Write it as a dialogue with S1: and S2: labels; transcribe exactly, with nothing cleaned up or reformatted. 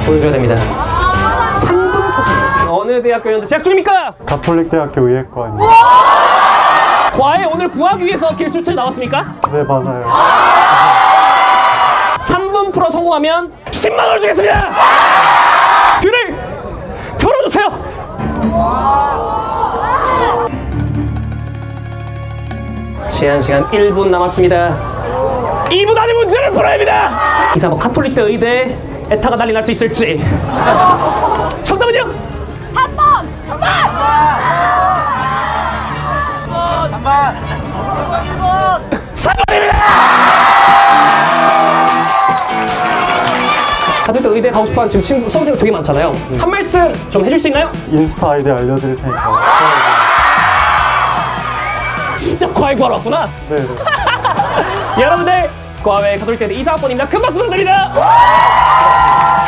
S1: 보여줘야 됩니다. 삼 분 터집니다. 어느 대학교 현재 재학 중입니까?
S2: 가톨릭대학교 의예과입니다.
S1: 과외 오늘 구하기 위해서 길수철 나왔습니까?
S2: 네, 맞아요.
S1: 삼 분 풀어 성공하면 십만 원 주겠습니다! 뒤를 털어주세요! 제한 시간 일 분 남았습니다. 이 분 안에 문제를 풀어야 합니다! 이사 뭐 카톨릭대 의대 에타가 난리 날 수 있을지. 정답은요?
S3: 삼 번! 삼 번!
S1: 삼 번입니다! 카톨릭대 의대 가고 싶어하는 지금 친구, 수험생들 되게 많잖아요. 한 말씀 좀 해줄 수 있나요?
S2: 인스타 아이디 알려드릴 테니까.
S1: 진짜 과외 구하러 왔구나.
S2: 네, 네.
S1: 여러분들 과외 가톨릭대 이사학번입니다. 큰 박수 부탁드립니다.